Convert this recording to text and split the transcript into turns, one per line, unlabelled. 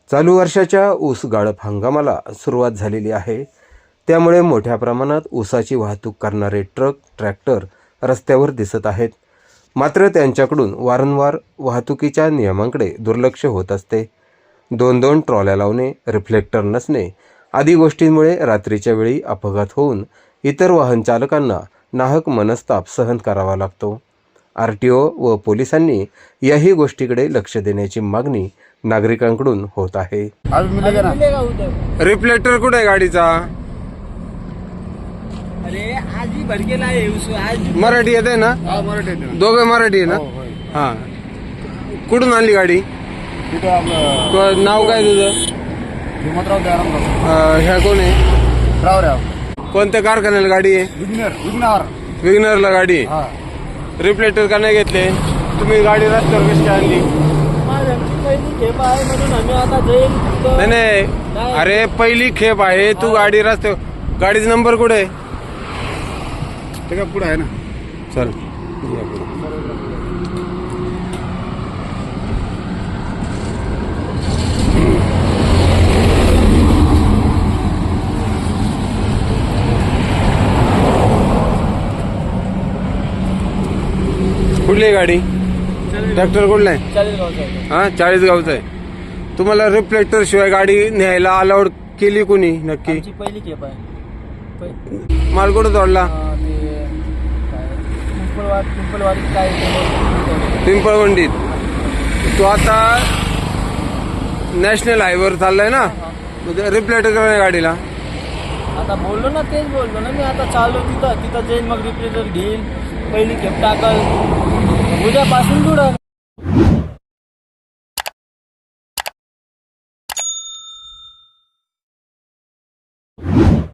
चालू वर्षाच्या ऊस गाळप हंगामाला सुरुवात झालेली आहे. त्यामुळे मोठ्या प्रमाणात ऊसाची वाहतूक करणारे ट्रक, ट्रॅक्टर रस्त्यावर दिसत आहेत. मात्र त्यांच्याकडून वारंवार वाहतुकीच्या नियमांकडे दुर्लक्ष होत असते. 2-2 ट्रॉल्या लावणे, रिफ्लेक्टर नसणे आदी गोष्टींमुळे रात्रीच्या वेळी अपघात होऊन इतर वाहन चालकांना नाहक मनस्ताप सहन करावा लागतो. RTO व पोलिसांनी याही गोष्टीकडे लक्ष देण्याची मागणी नागरिकांकडून होत आहे. रिफ्लेक्टर कुठे आहे गाडीचा?
अरे आज ही भर गेला आहे आज.
मराठी येते ना? दोघं मराठी आहे ना? हा. कुठून आणली गाडी? नाव काय तुझं? ह्या कोण आहे? कोणत्या कारखान्याला गाडी आहे? विग्नरला गाडी आहे. रिफ्लेक्टर का नाही घेतले तुम्ही? गाडी रस्त्यावर कशी आणली? नाही, अरे पहिली खेप आहे. तू गाडी रस्त्यावर, गाडीचा नंबर कुठे आहे?
ते का पुढे आहे ना?
चल कुठली आहे गाडी? ट्रॅक्टर कुठला आहे? हा, 40 गावचा आहे. तुम्हाला रिफ्लेक्टर शिवाय गाडी न्यायला अलाउड केली कोणी नक्की?
पहिली खेप आहे.
माल कुठं तोडला? पिंपळवंडीत. तू आता नॅशनल हायवेवर चाललाय ना? रिफ्लेक्टर करा गाडीला.
आता बोललो ना, तेच बोललो ना मी. आता चालू तिथं जाईन, मग रिफ्लेक्टर घेईल, पहिली खेप टाकल, उद्यापासून जुडल.